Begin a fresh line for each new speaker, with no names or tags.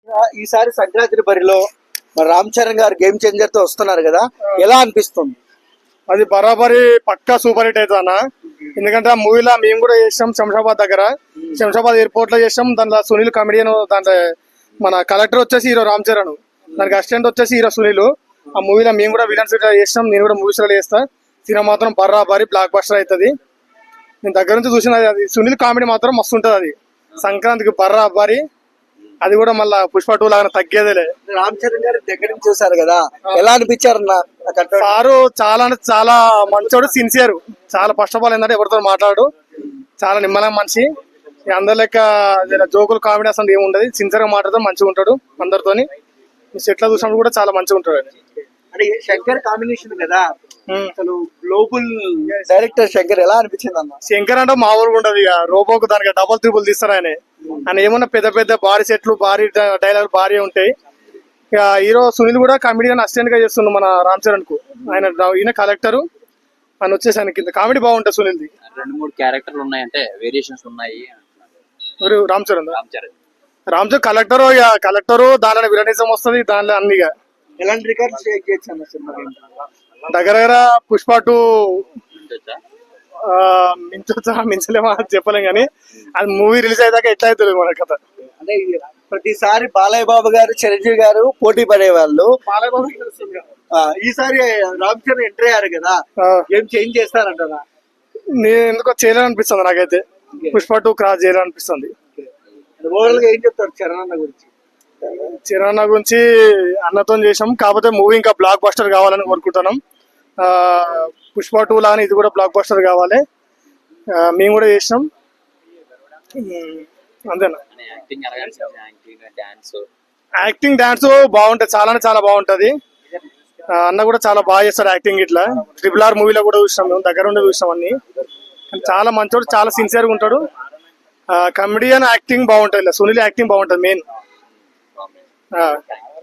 ఈసారి సంక్రాంతి బరిలో మరి రామ్ చరణ్ గారు గేమ్ చేంజర్ తో వస్తున్నారు కదా, ఎలా అనిపిస్తుంది?
అది బరాబరి పక్కా సూపర్ హిట్ అవుతుంది అన్న. ఎందుకంటే ఆ మూవీలో మేము కూడా చేసాం శంషాబాద్ దగ్గర, శంషాబాద్ ఎయిర్పోర్ట్ లో చేసాం. దాంట్లో సునీల్ కమెడియన్, దాంట్లో మన కలెక్టర్ వచ్చేసి హీరో రామ్ చరణ్, దానికి అసిస్టెంట్ వచ్చేసి హీరో సునీల్. ఆ మూవీలో మేము కూడా విలన్స్ చేస్తాం, నేను కూడా మూవీస్ లో చేస్తా. సినిమా మాత్రం బరాబరి బ్లాక్ బస్టర్ అవుతుంది. నేను దగ్గర నుంచి చూసిన అది సునీల్ కామెడీ మాత్రం మస్తు ఉంటది. అది సంక్రాంతికి బరాబరి. అది కూడా మళ్ళా పుష్ప 2 లాగా తగ్గేదేలే.
రామ్ చరణ్ గారు దగ్గర నుంచి చూసారు కదా, ఎలా అనిపించారు?
సారు చాలా అంటే చాలా మంచోడు, సిన్సియర్. చాలా ఫస్ట్ ఆఫ్ ఆల్ ఏంటంటే ఎవరితో మాట్లాడు, చాలా నిమ్మలం మనిషి. అందరి లెక్క జోకులు కామెడీ అసలు ఏమి ఉండదు, సిన్సియర్ గా మాట్లాడుతూ మంచిగా ఉంటాడు అందరితోని. సెట్ లో చూసినప్పుడు కూడా చాలా మంచిగా ఉంటాడు.
అంటే శంకర్ కాంబినేషన్ కదా, అసలు గ్లోబల్ డైరెక్టర్ శంకర్ ఎలా అనిపించింది అన్న?
శంకర్ అంటే మామూలుగా ఉండదు. ఇక రోబోకు దానికి డబుల్ త్రిబుల్ తీస్తారు ఆయన ఏమన్నా పెద్ద పెద్ద భారీ సెట్లు, భారీ డైలాగ్ భారీ ఉంటాయి. ఇక హీరో సునీల్ కూడా కామెడీగా అసిస్టెంట్ గా చేస్తుండు మన రామ్ చరణ్ కు. ఈయన కలెక్టర్, ఆయన వచ్చేసి ఆయన కింద కామెడీ బాగుంటుంది సునీల్ది.
2-3 క్యారెక్టర్లు ఉన్నాయంటే వేరియేషన్స్ ఉన్నాయి.
రామ్ చరణ్ కలెక్టర్, ఇక కలెక్టర్ దాంట్లో విలనిజం వస్తుంది, దాంట్లో అన్నిగా.
ఎలాంటి రికార్డ్స్ షేక్ చేయొచ్చు అన్న సినిమా?
దగ్గర పుష్ప 2 మించొచ్చా మించలేమా చెప్పలేం కానీ, అది మూవీ రిలీజ్ అయ్యాక ఎట్లా అవుతుంది మన కథ.
అంటే ప్రతిసారి బాలయ్య బాబు గారు, చిరంజీవి గారు పోటీ పడేవాళ్ళు. ఈసారి రామ్ చరణ్ ఎంట్రీ అయ్యారు కదా, ఏం చేంజ్ చేస్తారంటారా?
నేను ఎందుకో చేయాలనిపిస్తుంది నాకైతే. పుష్ప 2 క్రాస్ చేయాలనిపిస్తుంది.
ఓవరాల్ గా ఏం చెప్తారు చరణ్ అన్న గురించి?
చరణ్ అన్న గురించి అన్నతో చేసాం, కాకపోతే మూవీ ఇంకా బ్లాక్ బస్టర్ కావాలని కోరుకుంటున్నాం. పుష్ప 2 లాగానే ఇది కూడా బ్లాక్ బస్టర్ కావాలి. మేము కూడా చేసినాం, అంతేనా. యాక్టింగ్ డాన్స్ బాగుంటది, చాలా అంటే చాలా బాగుంటది. అన్న కూడా చాలా బాగా చేస్తాడు యాక్టింగ్. ఇట్లా RRR మూవీలో కూడా చూసినాం, మేము దగ్గర ఉండి చూసినాం అన్ని. చాలా మంచోడు, చాలా సిన్సియర్ గా ఉంటాడు. కమెడియన్ యాక్టింగ్ బాగుంటది, సునీల్ యాక్టింగ్ బాగుంటది మెయిన్.